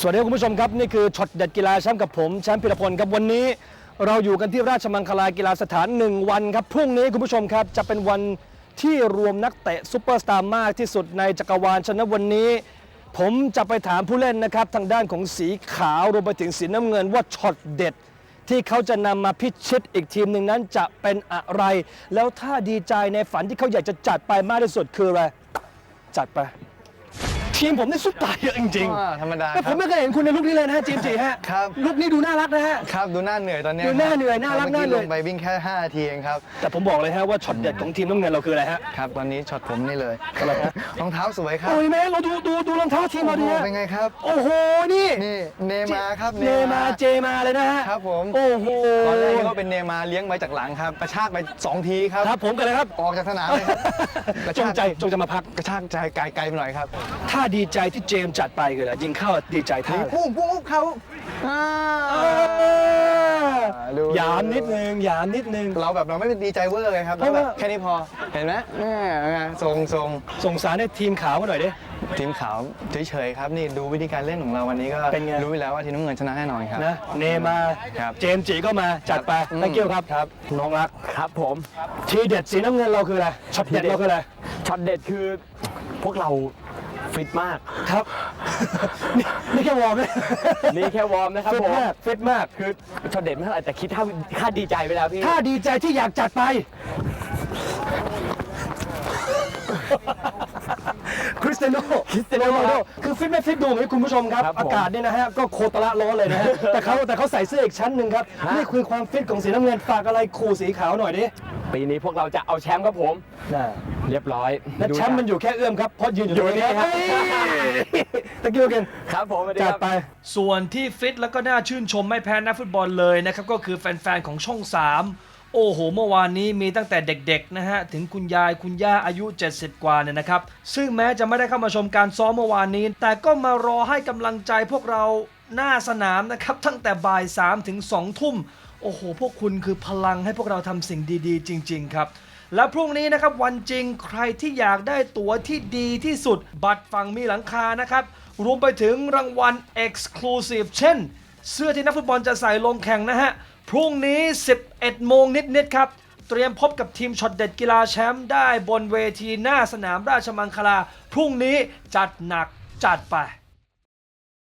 สวัสดีคุณผู้ชมครับนี่คือช็อตเด็ดกีฬาแชมป์กับผมแชมป์พิรพลครับวันนี้เราอยู่กันที่ราชมังคลากีฬาสถาน1วันครับพรุ่งนี้คุณผู้ชมครับจะเป็นวันที่รวมนักเตะซุปเปอร์สตาร์มากที่สุดในจักรวาลฉะนั้นวันนี้ผมจะไปถามผู้เล่นนะครับทางด้านของสีขาวรวมไปถึงสีน้ำเงินว่าช็อตเด็ดที่เขาจะนำมาพิชิตอีกทีมหนึ่งนั้นจะเป็นอะไรแล้วถ้าดีใจในฝันที่เขาอยากจะจัดไปมากที่สุดคืออะไรจัดไปทีมผมนี่ซุปตาเยอะจริงธรรมดาแต่ผมไม่เคยเห็นคุณในลุคนี้เลยนะฮะจีมจีฮะครับลุคนี้ดูน่ารักนะฮะครับดูหน้าเหนื่อยตอนนี้ดูหน้าเหนื่อยน่ารักน่าเหนื่อยลงไปวิ่งแค่5 นาทีเองครับแต่ผมบอกเลยฮะว่าช็อตเด็ดของทีมน้ำเงินเราคืออะไรฮะครับตอนนี้ช็อตผมนี่เลยอะไรฮะรองเท้าสวยครับโอ้ยแม่เราดูรองเท้าทีมเราดีฮะเป็นไงครับโอ้โหนี่เนมาครับเนมาเจมาเลยนะฮะครับผมโอ้โหตอนแรกก็เป็นเนมาเลี้ยงไว้จากหลังครับกระชากไป2 ทีครับครับผมกันเลยครับออกจากสนามเลยครับจงจะมาพักกระชากใจไกลไปหน่อยครับถ้าดีใจที่เจมจัดไปคืออะไรยิงเข้าดีใจท่าปุ้งเขายามนิดนึงเราไม่เป็นดีใจเวอร์เลยครับแค่นี้พอเห็นไหมส่งสารให้ทีมขาวมาหน่อยดิทีมขาวเฉยๆครับนี่ดูวิธีการเล่นของเราวันนี้ก็รู้ไปแล้วว่าทีมน้ำเงินชนะแน่นอนครับนะเนมาเจมจีก็มาจัดไปตะเกียวครับน้องรักครับผมทีเด็ดสีน้ำเงินเราคืออะไรช็อตเด็ดเราคืออะไรช็อตเด็ดคือพวกเราฟิตมากครับนี่แค่วอร์มนี่แค่วอร์มนะครับผมฟิตมากคือช็อตเด็ดไม่เท่าไหร่แต่คิดถ้าดีใจไปแล้วพี่ถ้าดีใจที่อยากจัดไปคริสเตียโนโรนัลโดคือฟิตไม่ฟิตดูไหมคุณผู้ชมครับอากาศเนี่ยนะฮะก็โคตรร้อนเลยนะฮะแต่เขาใส่เสื้ออีกชั้นหนึ่งครับนี่คือความฟิตของสีน้ำเงินฝากอะไรขู่สีขาวหน่อยดิปีนี้พวกเราจะเอาแชมป์ครับผมเรียบร้อยและแชมป์มันอยู่แค่เอื้อมครับเพราะยืนอยู่นี่ครับตะกี้กันครับผมจัดไปส่วนที่ฟิตแล้วก็น่าชื่นชมไม่แพ้นักฟุตบอลเลยนะครับก็คือแฟนๆของช่อง3โอ้โหเมื่อวานนี้มีตั้งแต่เด็กๆนะฮะถึงคุณยายคุณย่าอายุ70กว่าเนี่ยนะครับซึ่งแม้จะไม่ได้เข้ามาชมการซ้อมเมื่อวานนี้แต่ก็มารอให้กำลังใจพวกเราหน้าสนามนะครับตั้งแต่บ่าย3 ถึง 2 ทุ่มโอ้โหพวกคุณคือพลังให้พวกเราทำสิ่งดีๆจริงๆครับและพรุ่งนี้นะครับวันจริงใครที่อยากได้ตั๋วที่ดีที่สุดบัตรฝั่งมีหลังคานะครับรวมไปถึงรางวัล Exclusive เช่นเสื้อที่นักฟุตบอลจะใส่ลงแข่งนะฮะพรุ่งนี้ 11 โมงนิดๆครับเตรียมพบกับทีมช็อตเด็ดกีฬาแชมป์ได้บนเวทีหน้าสนามราชมังคลาพรุ่งนี้จัดหนักจัดไป